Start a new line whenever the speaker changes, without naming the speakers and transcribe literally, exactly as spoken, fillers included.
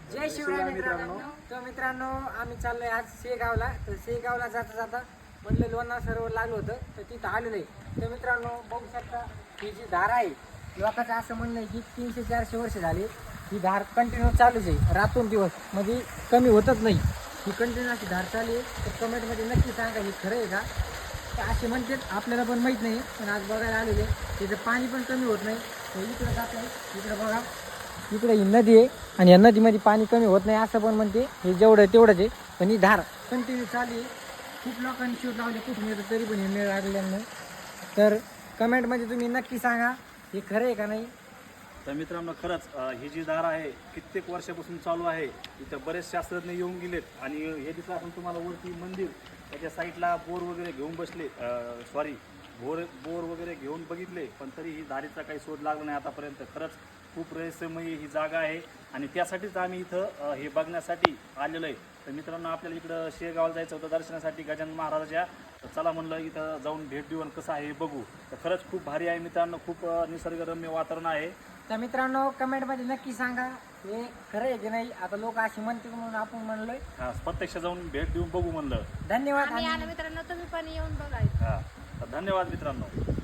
जय शिवराय मित्रांनो. तर मित्रांनो आम्ही चाललोय आज शेगावला. तर शेगावला जाता जाता म्हटलं लोणार सरोवर लागलं होतं तर तिथं आलेलं आहे. तर मित्रांनो बघू शकता ही जी धार आहे लोकांचं असं म्हणणं आहे की तीनशे चारशे वर्ष झाली ही धार कंटिन्यू चालूच आहे रातून दिवस म्हणजे कमी होतच नाही. ही कंटिन्यू अशी धार चालू आहे. तर कमेंटमध्ये नक्की सांगा ही खरं आहे का. तर असे म्हणतात आपल्याला पण माहीत नाही पण आज बघायला आलेले तिथं पाणी पण कमी होत नाही. तर इकडं जात आहे इकडं बघा इकडे ही नदी आहे आणि या नदीमध्ये पाणी कमी होत नाही असं पण म्हणते. हे जेवढं आहे तेवढंच आहे पण ही धार कंटिन्यू चालू आहे. खूप लोकांनी शोध लावले कुठून येतं तरी पण हे मेळ लागलेला नाही. तर कमेंटमध्ये तुम्ही नक्की सांगा हे खरं आहे का नाही.
तर मित्रांनो खरंच अ, ही जी धार आहे कित्येक वर्षापासून चालू आहे. इथं बरेच शास्त्रज्ञ येऊन गेलेत आणि हे दिसलं आपण तुम्हाला वरती मंदिर त्याच्या साईडला बोर वगैरे घेऊन बसले सॉरी बोर बोर वगैरे घेऊन बघितले पण तरी ही धारीचा काही शोध लागला नाही आतापर्यंत. खरंच खूप रहस्यमय ही जागा आहे आणि त्यासाठीच आम्ही इथं अ, हे बघण्यासाठी आलेलो आहे. तर मित्रांनो आपल्याला इकडं शेगावला जायचं होतं दर्शनासाठी गजानन महाराजाच्या. तर चला म्हणलं इथं जाऊन भेट देऊन कसं आहे हे बघू. तर खरंच खूप भारी आहे मित्रांनो. खूप अ, निसर्गरम्य वातावरण आहे.
तर मित्रांनो कमेंटमध्ये नक्की सांगा हे खरं आहे की नाही. आता लोक अशी म्हणतील म्हणून आपण म्हणलोय.
हा प्रत्यक्ष जाऊन भेट देऊन बघू म्हणलं.
धन्यवाद.
आम्ही
आणि
आलो मित्रांनो तुम्ही पण येऊन बघायचं.
हा तर धन्यवाद मित्रांनो.